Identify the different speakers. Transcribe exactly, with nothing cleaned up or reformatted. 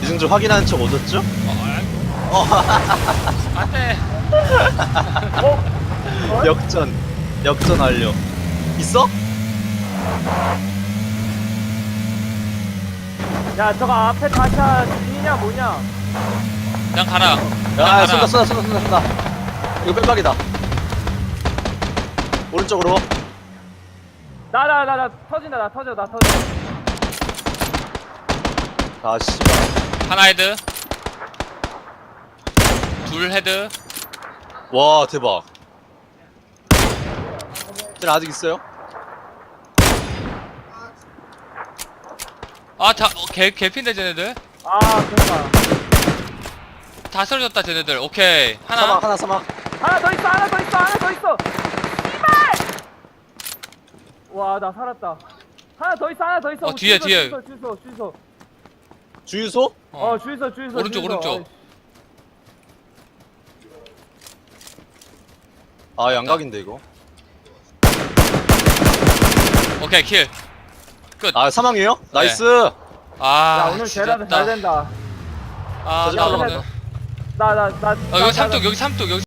Speaker 1: 기승줄 확인하는 척 오졌죠?
Speaker 2: 어, 안돼.
Speaker 3: 어?
Speaker 1: 역전 역전 완료. 있어?
Speaker 3: 야 저거 앞에 다샤 진이냐 뭐냐?
Speaker 2: 그냥 가라. 그냥
Speaker 1: 야
Speaker 2: 가라.
Speaker 1: 쏜다 쏜다 쏜다 쏜다 쏜다. 이거 뺀박이다. 오른쪽으로.
Speaker 3: 나 나 나 나 터진다 나 터져 나 터져.
Speaker 1: 아 씨발.
Speaker 2: 하나 헤드. 둘 헤드.
Speaker 1: 와 대박. 쟤는 아직 있어요?
Speaker 2: 아, 다, 어, 개, 개핀데, 쟤네들.
Speaker 3: 아 그런가.
Speaker 2: 다 쓰러졌다, 쟤네들. 오케이. 하나.
Speaker 1: 사막 하나 사막.
Speaker 3: 하나 더 있어 하나 더 있어 하나 더 있어. 씨발. 와 나 살았다. 하나 더 있어 하나 더 있어.
Speaker 2: 어, 뒤에, 뒤에.
Speaker 3: 주유소 주유소 주유소.
Speaker 1: 주유소?
Speaker 3: 어,
Speaker 2: 어.
Speaker 3: 주유소 주유소.
Speaker 2: 오른쪽,
Speaker 3: 주유소.
Speaker 2: 오른쪽.
Speaker 1: 아 양각인데 이거.
Speaker 2: 오케이, 킬. 끝.
Speaker 1: 아 사망이에요? 나이스.
Speaker 3: 어,
Speaker 2: 아,
Speaker 3: 야 오늘 제라드
Speaker 2: 지렸다.
Speaker 3: 잘 된다.
Speaker 2: 아,
Speaker 1: 저지
Speaker 2: 나
Speaker 1: 말라고.
Speaker 2: 오늘.
Speaker 3: 나 나 나.
Speaker 2: 어, 여기 삼뚝, 여기 삼뚝, 여기